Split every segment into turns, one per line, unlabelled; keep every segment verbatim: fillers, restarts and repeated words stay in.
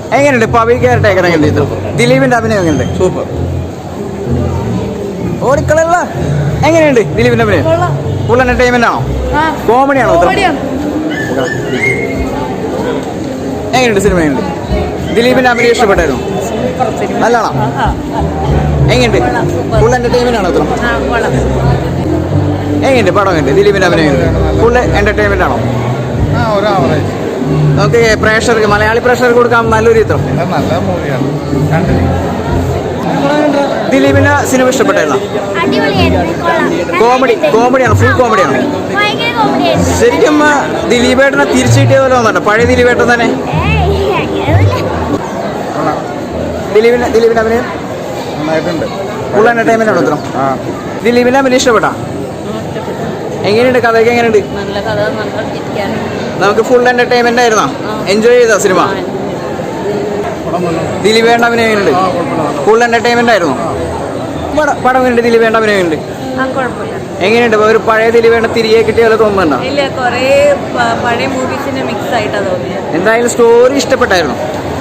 എങ്ങനെയുണ്ട് പവി കയറട്ടേക്കർ എങ്ങനെയുണ്ട്? ദിലീപിന്റെ അഭിനയം എങ്ങനെയുണ്ട്?
സൂപ്പർ.
ഓടിക്കളല്ല. എങ്ങനെയുണ്ട് ദിലീപിന്റെ അഭിനയം? ഫുൾ എന്റർടൈൻമെന്റ് ആണോ? കോമഡി ആണോ? എങ്ങനെയുണ്ട് സിനിമ? എങ്ങനെയുണ്ട്? ദിലീപിന്റെ അഭിനയം ഇഷ്ടപ്പെട്ടായിരുന്നു? നല്ലതാണോ? എങ്ങനെയുണ്ട്? ഫുൾ എന്റർടൈൻമെന്റ് ആണോ? എങ്ങനെയുണ്ട് പടം? എങ്ങനെയുണ്ട് ദിലീപിന്റെ അഭിനയം? ഫുൾ എന്റർടൈൻമെന്റ് ആണോ? നമുക്ക് പ്രേക്ഷകർക്ക്, മലയാളി പ്രേക്ഷകർക്ക് കൊടുക്കാൻ നല്ലൊരു ചിത്രം.
നല്ല മൂവിയാണ്.
ദിലീപിന്റെ സിനിമ ഇഷ്ടപ്പെട്ടായിരുന്നോ? കോമഡി കോമഡിയാണ്, ഫുൾ കോമഡിയാണ്. ശരിക്കും ദിലീപേട്ടനെ തിരിച്ചു കിട്ടിയ പോലെ തോന്നുന്നുണ്ട്, പഴയ ദിലീപേട്ടൻ തന്നെ. ദിലീപിന്റെ ദിലീപിന്റെ അഭിനയം
നന്നായിട്ടുണ്ട്.
ഫുൾ എന്റർടൈൻമെന്റ് ആണ് ഉത്തരം. ദിലീപിന്റെ അഭിനയം ഇഷ്ടപ്പെട്ടാ? എങ്ങനെയുണ്ട്? കഥയൊക്കെ എങ്ങനെയുണ്ട്? നമുക്ക് ഫുൾ എന്റർടൈൻമെന്റ് ആയിരുന്നോ? എൻജോയ് ചെയ്തോ സിനിമ? ദിലീപേട്ട അഭിനയം എങ്ങനെയുണ്ട്? ഫുൾ എന്റർടൈൻമെന്റ് ആയിരുന്നു. പടം എങ്ങനെയുണ്ട്? ദിലീപേട്ട അഭിനയം എങ്ങനെയുണ്ട്? എങ്ങനെയുണ്ട്? ഒരു പഴയ ദിലീപേട്ട തിരികെ കിട്ടിയ പോലെ തോന്നുന്നുണ്ടോ? എന്തായാലും സ്റ്റോറി ഇഷ്ടപ്പെട്ടായിരുന്നു.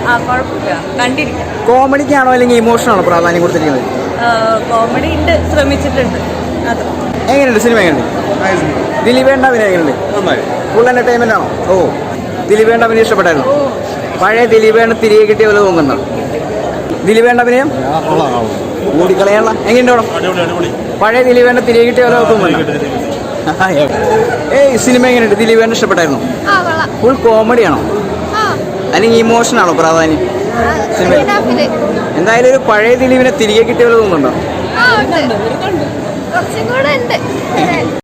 കോമഡിക്കാണോ അല്ലെങ്കിൽ ഇമോഷനാണോ പ്രാധാന്യം കൊടുത്തിരിക്കുന്നത്?
കോമഡി ഉണ്ട്, ശ്രമിച്ചിട്ടുണ്ട്.
എങ്ങനെയുണ്ട് സിനിമ? എങ്ങനെയുണ്ട്? ദിലീപേട്ട അഭിനയം എങ്ങനെയുണ്ട്? ഫുൾ എന്റർടൈൻമെന്റ് ആണോ? ഓ, ദിലീപേട്ട അഭിനയം ഇഷ്ടപ്പെട്ടായിരുന്നു. പഴയ ദിലീപേട്ട തിരികെ കിട്ടിയ പോലെ തോന്നുന്നുണ്ടോ? ദിലീപേട്ട അഭിനയം ഓടിക്കളയാനുള്ള. എങ്ങനെയുണ്ടോ? പഴയ ദിലീപേട്ട തിരികെ കിട്ടിയ പോലെ തോന്നുന്നുണ്ടോ? ഏയ് സിനിമ എങ്ങനെയുണ്ട്? ദിലീപേട്ട ഇഷ്ടപ്പെട്ടായിരുന്നു? ഫുൾ കോമഡിയാണോ അല്ലെങ്കിൽ ഇമോഷനാണോ പ്രാധാന്യം സിനിമയിൽ? എന്തായാലും ഒരു പഴയ ദിലീപിനെ തിരികെ കിട്ടിയ പോലെ തോന്നുന്നുണ്ടോ?